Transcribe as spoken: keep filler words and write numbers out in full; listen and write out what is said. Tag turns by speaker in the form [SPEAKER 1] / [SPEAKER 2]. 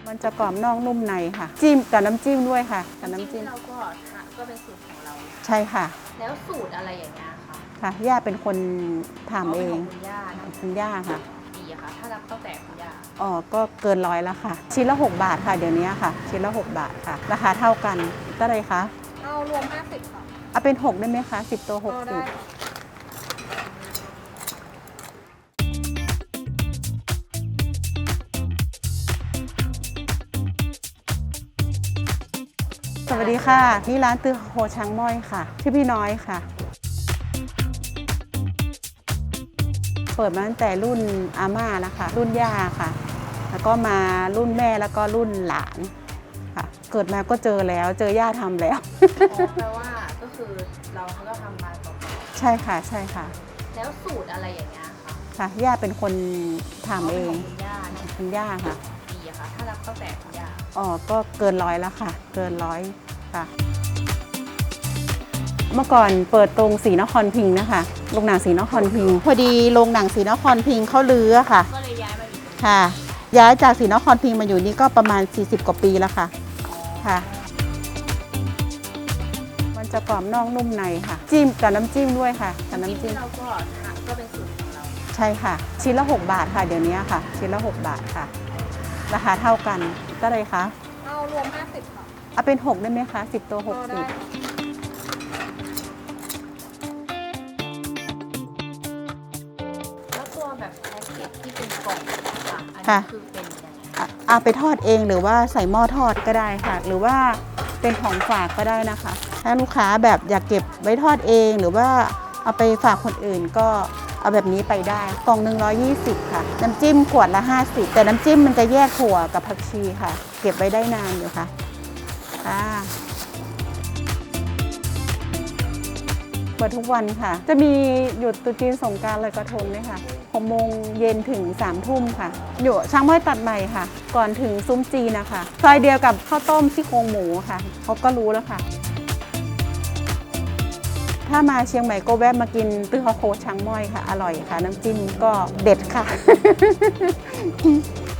[SPEAKER 1] มันจะกรอบนอกนุ่มในค่ะจิ้มกับน้ำจิ้มด้วยค่ะกับน้ำจิ้ม
[SPEAKER 2] เราก็ก็เป็นสูตรของเรา
[SPEAKER 1] ใช่ค่ะ
[SPEAKER 2] แล้วสูตรอะไรอย่างเงี้ยคะ
[SPEAKER 1] ค่ะย่าเป็นคนทำเอง
[SPEAKER 2] คุณย่านะ
[SPEAKER 1] คุณย่าค่ะ
[SPEAKER 2] ดีอะค่ะ ถ้ารับตั้งแต่คุณย่า
[SPEAKER 1] อ๋อก็เกินร้อยแล้วค่ะ ชิ้นละหกบาทค่ะเดี๋ยวนี้ค่ะ ชิ้นละหกบาทค่ะ ราคาเท่ากันเท่าไหร่คะ
[SPEAKER 3] เอารวมห้าสิบค่ะ
[SPEAKER 1] เอาเป็นหกได้ไหมคะสิบตัวหกสิบสวัสดีค่ะนี่ร้านตือโฮช้างม้อยค่ะชื่อพี่น้อยค่ะ เปิดมาตั้งแต่รุ่นอาม่าแล้วค่ะรุ่นย่าค่ะ แล้วก็มารุ่นแม่แล้วก็รุ่นหลานค่ะ เกิดมาก็เจอแล้วเจอย่าทำแล้ว
[SPEAKER 2] อ๋อแปลว่าก็คือเราก็ทำมาต่อไป
[SPEAKER 1] ใช่ค่ะใช่ค่ะ
[SPEAKER 2] แล้วสูตรอะไรอย่างเงี้ยคะ
[SPEAKER 1] ค่ะย่าเป็นคนทำเอง
[SPEAKER 2] คุณย่านะ
[SPEAKER 1] คุณย่าค่ะ
[SPEAKER 2] ดีอะค่ะ ถ้ารับตั้งแต่คุณย่า
[SPEAKER 1] อ๋อก็เกินร้อยแล้วค่ะ เกินร้อยค่ะ เมื่อก่อนเปิดตรงศรีนครพิงค์นะคะโรงหนังศรีนครพิงค์พอดีโรงหนังศรีนครพิงค์เขาลื้อค่ะ
[SPEAKER 2] ก็เลยย้ายมาอยู่ตรงนี้
[SPEAKER 1] ค่ะ ย้ายจากศรีนครพิงค์มาอยู่นี่ก็ประมาณสี่สิบกว่าปีแล้วค่ะค่ะ มันจะกรอบนอกนุ่มในค่ะจิ้มกับน้ำจิ้มด้วยค่ะกับน้ำจิ้ม
[SPEAKER 2] เราก็ก็เป็นสูตรของเรา
[SPEAKER 1] ใช่ค่ะ ชิ้นละหกบาทค่ะเดี๋ยวนี้ค่ะ ชิ้นละหกบาทค่ะ ราคาเท่ากันเท่าไหร่คะ
[SPEAKER 3] เอารวมห้าสิบค่ะ
[SPEAKER 1] เอาเป็นหกได้ไหมคะสิบตัวหก
[SPEAKER 3] เอา
[SPEAKER 1] สิ
[SPEAKER 3] ได้
[SPEAKER 1] บ
[SPEAKER 2] แล้วตัวแบบแพ็กเกจที่เป็นกล่องค่ะอัน
[SPEAKER 1] ค่ะ
[SPEAKER 2] นี้คือเป็นยังไง
[SPEAKER 1] อ่ะเอาไปทอดเองหรือว่าใส่หม้อทอดก็ได้ค่ะ หรือว่าเป็นของฝากก็ได้นะคะ ถ้าลูกค้าแบบอยากเก็บไว้ทอดเอง หรือว่าเอาไปฝากคนอื่นก็เอาแบบนี้ไปได้กล่องหนึ่งร้อยยี่สิบค่ะ น้ำจิ้มขวดละห้าสิบแต่น้ำจิ้มมันจะแยกถั่วกับผักชีค่ะ เก็บไว้ได้นานอยู่ค่ะค่ะเปิดทุกวันค่ะ จะมีหยุดตรุษจีนสงกรานต์ลอยกระทงด้วยค่ะหกโมงเย็นถึงสามทุ่มค่ะ อยู่ช้างม้อยตัดใหม่ค่ะ ก่อนถึงซุ้มจีนนะคะซอยเดียวกับข้าวต้มซี่โครงหมูค่ะเขาก็รู้แล้วค่ะ ถ้ามาเชียงใหม่ก็แวะมากินตื้อฮอโคช้างม้อยค่ะ อร่อยค่ะ น้ำจิ้มก็เด็ดค่ะ